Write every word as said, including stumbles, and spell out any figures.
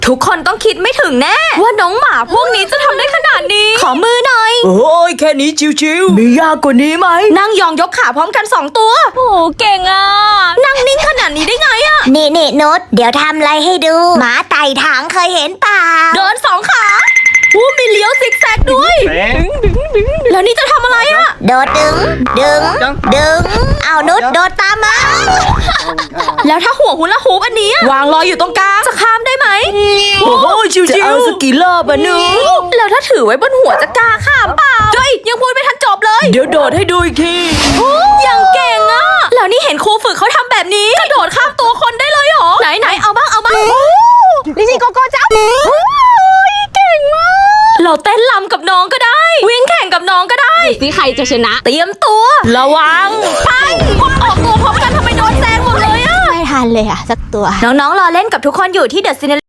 ทุกคนต้องคิดไม่ถึงแน่ว่าน้องหมาพวกนี้จะทำได้ขนาดนี้ขอมือหน่อยโอ้ยแค่นี้ชิวๆมียากกว่านี้ไหมนั่งยองยกขาพร้อมกันสองตัวโอ้เก่งอ่ะนั่งนิ่งขนาดนี้ได้ไงอ่ะนี่นี่นุชเดี๋ยวทำอะไรให้ดู หมาไต่ถังเคยเห็นเปล่าเดินสองขาผู้มีเลี้ยวซิกแซกด้วยแล้วนี่จะทำอะไรอ่ะโดดดึง ดึง ดึง เอานุชโดดตามมาแล้วถ้าหัวหุนละฮูปอันนี้วางลอยอยู่ตรงกลางจะข้ามได้ไหมโอ้ยชิวๆจะเอาสกกี่รอบอะหนูแล้วถ้าถือไว้บนหัวจะกล้าข้ามเปล่าเฮ้ยยังพูดไม่ทันจบเลยเดี๋ยวโดดให้ดูอีกทียังเก่งอ่ะแล้วนี่เห็นครูฝึกเขาทำแบบนี้กระโดดข้ามตัวคนได้เลยเหรอไหนไหนเอาบ้างเอาบ้างลิซี่โกโก้จับเก่งมากเราเต้นลำกับน้องก็ได้ วิ่งแข่งกับน้องก็ได้สิใครจะชนะ เตรียมตัวระวังไปออกตัวพร้อมกันทำไมโดนแซงหมดเลยอะไม่ทันเลยอะสักตัวน้องๆรอเล่นกับทุกคนอยู่ที่เดอะซิน